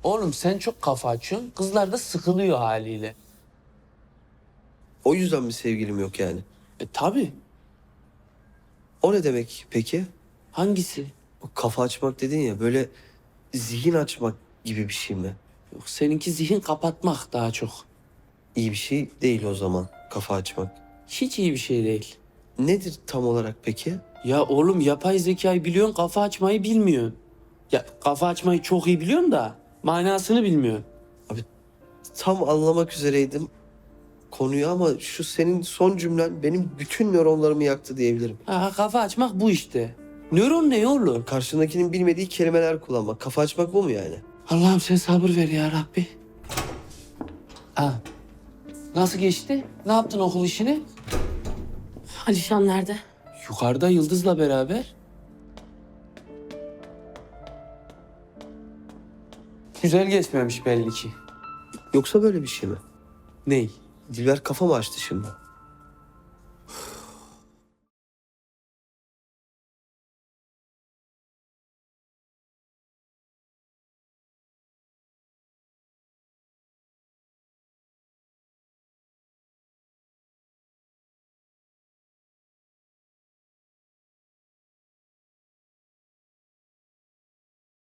Oğlum sen çok kafa açıyorsun. Kızlar da sıkılıyor haliyle. O yüzden mi sevgilim yok yani? Tabii. O ne demek peki? Hangisi? O kafa açmak dedin ya, böyle zihin açmak gibi bir şey mi? Yok, seninki zihin kapatmak daha çok. İyi bir şey değil o zaman kafa açmak. Hiç iyi bir şey değil. Nedir tam olarak peki? Ya oğlum yapay zekayı biliyorsun, kafa açmayı bilmiyorsun. Ya kafa açmayı çok iyi biliyorsun da manasını bilmiyorsun. Tam anlamak üzereydim konuyu ama şu senin son cümlen benim bütün nöronlarımı yaktı diyebilirim. Ha, kafa açmak bu işte. Nöron ne oğlum? Karşındakinin bilmediği kelimeler kullanmak. Kafa açmak bu mu yani? Allah'ım sen sabır ver ya Rabbi. Ha. Nasıl geçti? Ne yaptın okul işini? Alişan nerede? Yukarıda Yıldız'la beraber. Güzel geçmemiş belli ki. Yoksa böyle bir şey mi? Ney? Dilber kafa mı açtı şimdi?